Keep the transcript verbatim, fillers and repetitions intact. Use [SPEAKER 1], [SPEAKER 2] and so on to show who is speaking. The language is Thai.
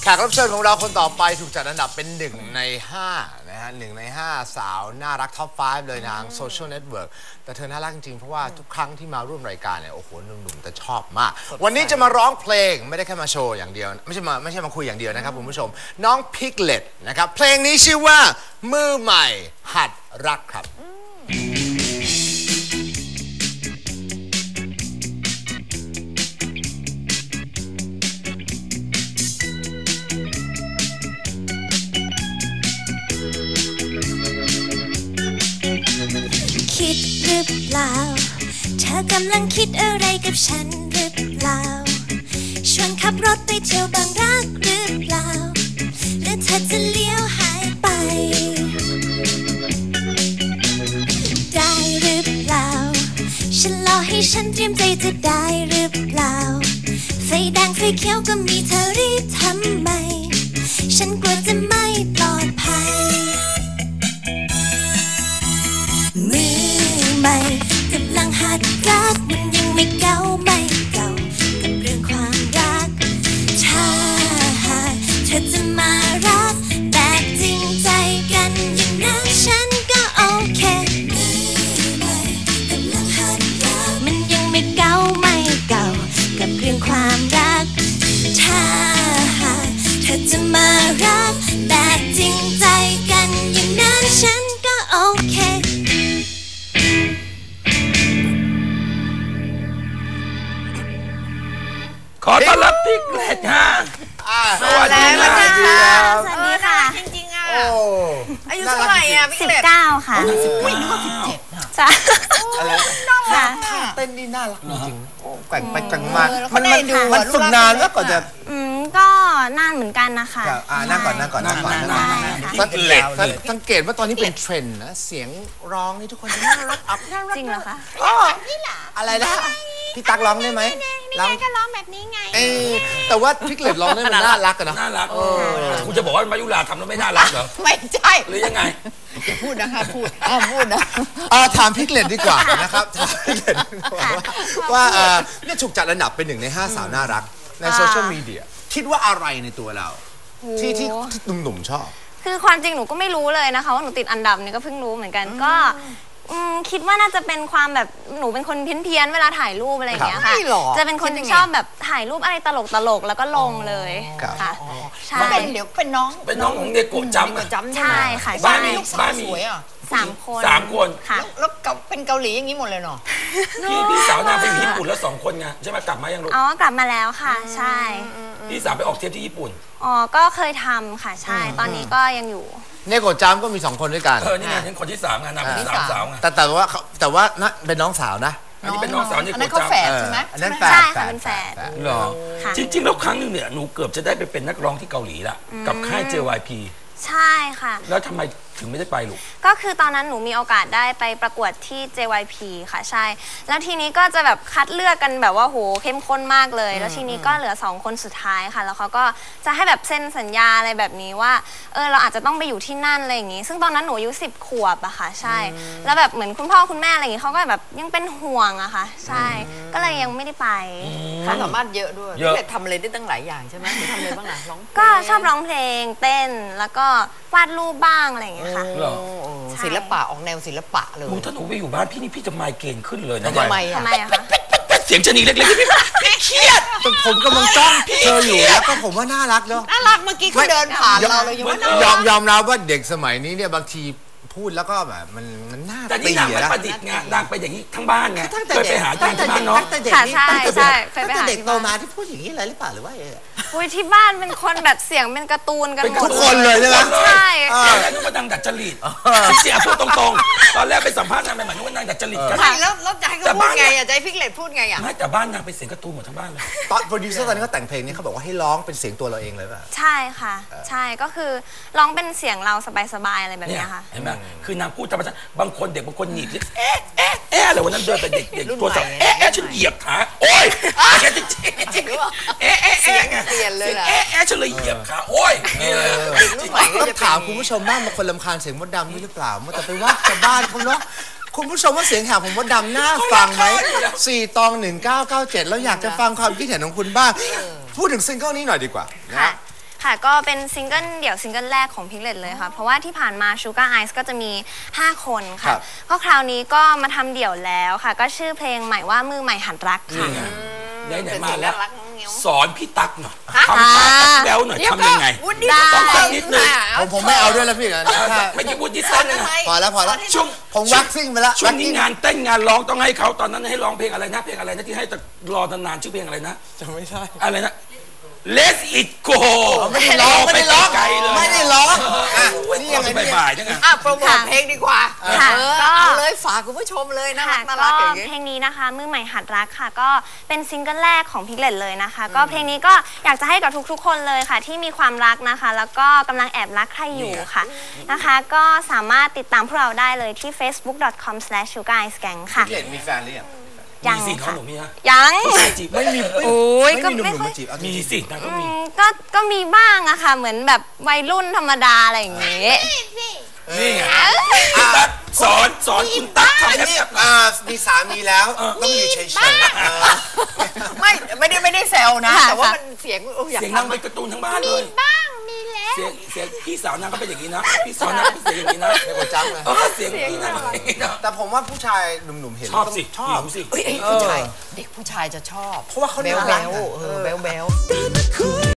[SPEAKER 1] กรับเชิญของเราคนต่อไปถูกจัดอันดับเป็นหนึ่งในห้านะฮะหนึ่งในห้าสาวน่ารักท็อปไฟว์เลยทางโซเชียลเน็ตเวิร์กแต่เธอน่ารักจริงๆเพราะว่าทุกครั้งที่มาร่วมรายการเนี่ยโอ้โหหนุ่มๆแต่ชอบมากวันนี้จะมาร้องเพลงไม่ได้แค่มาโชว์อย่างเดียวไม่ใช่มาไม่ใช่มาคุยอย่างเดียวนะครับคุณผู้ชมน้องพิกเลตนะครับเพลงนี้ชื่อว่ามือใหม่หัดรักครับ
[SPEAKER 2] คิดหรือเปล่าเธอกำลังคิดอะไรกับฉันหรือเปล่าชวนขับรถไปเที่ยวบางรักหรือเปล่าหรือเธอจะเลี้ยวหายไปได้หรือเปล่าฉันรอให้ฉันเตรียมใจจะได้หรือเปล่าไฟแดงไฟเขียวก็มีเธอรีบทำไมฉันกลัวจะไม่ปลอดภัยมือใหม่กำลังหัดรักมันยังไม่เก่าไม่เก่ากับเรื่องความรักถ้าหากเธอจะมารักแบบจริงใจกันอย่างนั้นฉันก็โอเคมือใหม่กำลังหัดรักมันยังไม่เก่าไม่เก่ากับเรื่องความรักถ้าหากเธอจะมารักแบบจริงใจกันอย่างนั้นฉันก็โอเค
[SPEAKER 3] ขอต้อนรับพิกเลตฮะสวัสดีค่ะ
[SPEAKER 2] สวัสดีค่ะ
[SPEAKER 4] จริงๆอ่ะอายุเท่าไหร่อ่ะพี่
[SPEAKER 2] สิบ
[SPEAKER 4] เล็ต
[SPEAKER 2] เก้าค่ะ
[SPEAKER 1] สิบ
[SPEAKER 4] อุ้ยนึกว่าสิบเจ็ดนะ
[SPEAKER 2] ใช่
[SPEAKER 1] อะไร
[SPEAKER 2] ค่ะ
[SPEAKER 1] ท่าเต้นนี่น่ารักจริงๆแกว่งไปแกว่งมา
[SPEAKER 4] มันมัน
[SPEAKER 1] มันฝึกนานแล้วก่อนจะ
[SPEAKER 2] อืมก็นานเหมือนกันนะคะ
[SPEAKER 1] อ่านั่งก่อนนั่งก่อนนั่งก่อนนั่งก่อนสังเกตสังเกตว่าตอนนี้เป็นเทรนด์นะเสียงร้องนี่ทุกคนจะน่ารักอัพน่ารัก
[SPEAKER 2] จริงเหรอคะ
[SPEAKER 1] อ๋ออะไรนะพี่ตั๊กร้องได้ไหม
[SPEAKER 2] ร้องก็ร้องแบบนี้ไง
[SPEAKER 1] แต่ว่าพิกเลตร้องได้มันน่ารักกันนะ
[SPEAKER 3] น่ารักคุณจะบอกว่ามายุราทำแล้วไม่น่ารักเหรอ
[SPEAKER 4] ไม่ใช่
[SPEAKER 3] หรือยังไง
[SPEAKER 4] อย่าพูดนะคะพูดอ้าวพูดนะ
[SPEAKER 1] ถามพิกเลตดีกว่านะครับถามพิกเลตว่าเนี่ยถูกจัดอันดับเป็นหนึ่งในห้าสาวน่ารักในโซเชียลมีเดียคิดว่าอะไรในตัวเราที่ที่หนุ่มๆชอบ
[SPEAKER 2] คือความจริงหนูก็ไม่รู้เลยนะคะว่าหนูติดอันดับเนี่ยก็เพิ่งรู้เหมือนกันก็คิดว่าน่าจะเป็นความแบบหนูเป็นคนเพี้ยนๆเวลาถ่ายรูปอะไรอย่างเงี้ยค่ะจะเป็นคนที่ชอบแบบถ่ายรูปอะไรตลกๆแล้วก็ลงเลยค่ะ
[SPEAKER 4] ใช่เป็นเดี๋ยวเป็นน้อง
[SPEAKER 3] เป็นน้องของเดโกะจำ
[SPEAKER 4] จำ
[SPEAKER 2] ใช่ค่ะ
[SPEAKER 3] บ้านมี
[SPEAKER 4] ลูกสาวสวยอ่ะ
[SPEAKER 2] สามคน
[SPEAKER 3] สามคน
[SPEAKER 2] ค่ะ
[SPEAKER 4] แล้วเป็นเกาหลีอย่างนี้หมดเลยเนาะ
[SPEAKER 3] พี่พี่สาวนางไปอยู่ญี่ปุ่นแล้วสองคนไงใช่ไหมกลับมายังลูก
[SPEAKER 2] อ๋อกลับมาแล้วค่ะใช่
[SPEAKER 3] พี่สาวไปออกเทปที่ญี่ปุ่น
[SPEAKER 2] อ๋อก็เคยทำค่ะใช่ตอนนี้ก็ยังอยู่
[SPEAKER 1] เนโกะจำก็มีสองคนด้วยกัน
[SPEAKER 3] เออนี่ไงฉันคนที่สามไงนางเป็นสามสาวไง
[SPEAKER 1] แต่แต่ว่าแต่ว่าน่ะเป็นน้องสาวนะ
[SPEAKER 3] อันนี้เป็นน้องสาวนี่
[SPEAKER 4] อันนั้นเขาแฝดใช่ไหม
[SPEAKER 1] อันนั้นแฝด
[SPEAKER 2] ใช่ค่ะเป็นแฝด
[SPEAKER 1] หรอ
[SPEAKER 3] จริงๆแล้วครั้งนึงเนี่ยหนูเกือบจะได้ไปเป็นนักร้องที่เกาหลีละกับค่าย เจ วาย พี
[SPEAKER 2] ใช่ค่ะ
[SPEAKER 3] แล้วทำไมถึงไม่ได้ไปลูก
[SPEAKER 2] ก็คือตอนนั้นหนูมีโอกาสได้ไปประกวดที่ เจ วาย พี ค่ะใช่แล้วทีนี้ก็จะแบบคัดเลือกกันแบบว่าโหเข้มข้นมากเลยแล้วทีนี้ก็เหลือสองคนสุดท้ายค่ะแล้วเขาก็จะให้แบบเซ็นสัญญาอะไรแบบนี้ว่าเออเราอาจจะต้องไปอยู่ที่นั่นอะไรอย่างงี้ซึ่งตอนนั้นหนูอายุสิบขวบอะค่ะใช่แล้วแบบเหมือนคุณพ่อคุณแม่อะไรอย่างงี้เขาก็แบบยังเป็นห่วงอะค่ะใช่ก็เลยยังไม่ได้ไป
[SPEAKER 4] ความสามารถเยอะด้วยพี่เล็ตทำอะไรได้ตั้งหลายอย่างใช่ไหมหนูทำอะไรบ้างล่ะร้อง
[SPEAKER 2] ก็ชอบร้องเพลงเต้นแล้วก็วาดรูปบ้างอะไรอย่างเงี้ยค่ะ
[SPEAKER 4] ศิลปะออกแนวศิลปะเลย
[SPEAKER 3] ถ้าหนูไปอยู่บ้านพี่นี่พี่จะไมเกรนขึ้นเลยนะ
[SPEAKER 4] ทำไม
[SPEAKER 2] ทำไมอะคะ
[SPEAKER 3] เสียงชนีเล็กๆพี่พี่เครียด
[SPEAKER 1] ผมกำลังจ้องเธออยู่แล้วก็ผมว่าน่ารักเนาะ
[SPEAKER 4] น่ารักเมื่อกี้เขาเดินผ่านเราเลยยังว่าย
[SPEAKER 1] อมยอมรับว่าเด็กสมัยนี้เนี่ยบางทีพูดแล้วก็แบบมันมันน่า
[SPEAKER 3] แต่นี่นางไม่ประดิษฐ์ไงนางไปอย่างนี้ทั้งบ้านไงเคยไปหาที่บ้านเนาะ
[SPEAKER 2] ค่ะใช่ใช่เคยไป
[SPEAKER 4] หา
[SPEAKER 2] เด็ก
[SPEAKER 4] โตมาที่พูดอย่างนี้เลยหรือเปล่าหรือว่า
[SPEAKER 2] อุ้ยที่บ้านเป็นคนแบบเสียงเป็นการ์ตูนกันหมด
[SPEAKER 1] ทุกคนเลยใช่ไหม
[SPEAKER 2] ใช่
[SPEAKER 3] ตอนแรกนึกว่านางดัดจริตเสียพูดตรงๆตอนแรกไปสัมภาษณ์นางใหม่ๆนึกว่านางดัดจริตกัน
[SPEAKER 4] ใช่แล้วแล้วจะให้เขาพูดไงอ่ะจะให้พิกเลตพูดไงอ่ะ
[SPEAKER 3] ไม่แต่บ้านนางเป็นเสียงการ์ตูนหมดทั้งบ้านเลย
[SPEAKER 1] ตอนโปรดิวเซอร์ตอนนี้เขาแต่งเพลงนี้เขาบอกว่าให้ร้องเป็นเสียงตัวเราเองเลยป่ะ
[SPEAKER 2] ใช่ค่ะใช่ก็คือร้องเป็นเสียงเราสบายๆอะไรแบบนี้ค่ะ
[SPEAKER 3] เห็นไหมคือนางพูดธรรมชาติบางคนเด็กบางคนหนีบเอ๊ะเอ๊ะเอ๊ะอะไรวันนั้นเดินไปเด็กเด็กตัวสับเอ๊ะเอ๊ะฉันเหยียบขาโอ๊ยแกจะเจ๊จริงเอ๊ะเอ๊ะเอ๊ะ
[SPEAKER 4] เปลี่ยนเลย
[SPEAKER 3] เอ๊ะเอ๊ะฉันเลยเหยียบขาโอ๊ยนี่เลย
[SPEAKER 1] ต้องถามคุณผู้ชมบ้างบางคนรำคาญเสียงมดดำนี่หรือเปล่ามันจะไปว่าชาวบ้านเขาเนาะคุณผู้ชมว่าเสียงแหบของมดดำน่าฟังไหมสี่ตองหนึ่งเก้าเก้าเจ็ดแล้วอยากจะฟังความคิดเห็นของคุณบ้างพูดถึงซิงเกิลนี้หน่อยดีกว่านะ
[SPEAKER 5] ค่ะก็เป็นซิงเกิลเดี่ยวซิงเกิลแรกของพิกเลตเลยค่ะเพราะว่าที่ผ่านมา Sugar Eyes ก็จะมีห้าคนค่ะก็คราวนี้ก็มาทำเดี่ยวแล้วค่ะก็ชื่อเพลงใหม่ว่ามือใหม่หัดรักค่ะ
[SPEAKER 3] ไหนไหนมาแล้วสอนพี่ตั๊กหน่อยทำท่าแบ๊วหน่อยทำยังไงต้องฟังนิดนึง
[SPEAKER 1] ผมผมไม่เอาด้วยแล้วพี่นะ
[SPEAKER 3] ไม่ใช่วุฒิเต้นนะ
[SPEAKER 1] พอแล้วพอแล้วช่วงผมวักซิ่งไปแล้ว
[SPEAKER 3] ช่วงนี้งานเต้นงานร้องต้องให้เขาตอนนั้นให้ร้องเพลงอะไรนะเพลงอะไรนะที่ให้รอนานๆชื่อเพลงอะไรนะ
[SPEAKER 1] จะไม่ใช่
[SPEAKER 3] อะไรนะ Let it go
[SPEAKER 1] ไม่ได้ร้องไม่ได้ร้องไม่ได้ร้อง
[SPEAKER 3] นี่ยังไงบ่ายๆยังไง
[SPEAKER 4] อ่ะโปรโมทเพลงดีกว่าเออเอาเลยฝากคุณผู้ชมเลยนะน่ารักอย่างนี้
[SPEAKER 5] เพลงนี้นะคะมือใหม่หัดรักค่ะก็เป็นซิงเกิลแรกของพิกเลตเลยนะคะก็เพลงนี้ก็อยากจะให้กับทุกๆคนเลยค่ะที่มีความรักนะคะแล้วก็กำลังแอบรักใครอยู่ค่ะนะคะก็สามารถติดตามพวกเราได้เลยที่ เฟซบุ๊ก ดอท คอม สแลช ชูการ์ ไอซ์ แก๊ง ค่ะ
[SPEAKER 1] พิกเลตมีแฟนหรือยัง
[SPEAKER 5] ยัง
[SPEAKER 3] ค่ะ
[SPEAKER 5] ยัง
[SPEAKER 3] ไม่มี
[SPEAKER 5] โอ้ยก็ไม่ค่อย
[SPEAKER 3] มีสินะก็มี
[SPEAKER 5] ก็ก็มีบ้างอะค่ะเหมือนแบบวัยรุ่นธรรมดาอะไรอย่างงี้
[SPEAKER 3] นี่ไงสอนสอนคุณตั๊กทำ
[SPEAKER 1] นี่มีสามีแล้วต้องอยู่เฉย
[SPEAKER 4] ๆไม่ไม่ได้ไม่ได้แซวนะแต่ว่ามันเสียง
[SPEAKER 3] เสียงนางเป็นการ์ตูนทั้งบ้านเลย
[SPEAKER 5] บ้างมีแล้ว
[SPEAKER 3] เสียงเสียงพี่สาวนางก็เป็นอย่างนี้นะพี่สาวนางเป็นอย่างนี้นะ
[SPEAKER 1] ไม่กดจังเลย
[SPEAKER 3] เสียงนี้นะ
[SPEAKER 1] แต่ผมว่าผู้ชายหนุ่มๆเห็น
[SPEAKER 3] ชอบสิ
[SPEAKER 1] ชอบ
[SPEAKER 3] สิ
[SPEAKER 4] ผู้ชายเด็กผู้ชายจะชอบ
[SPEAKER 1] เพราะว่าเขา
[SPEAKER 4] แบ๊วแบ๊วเออแบ๊วแบ๊ว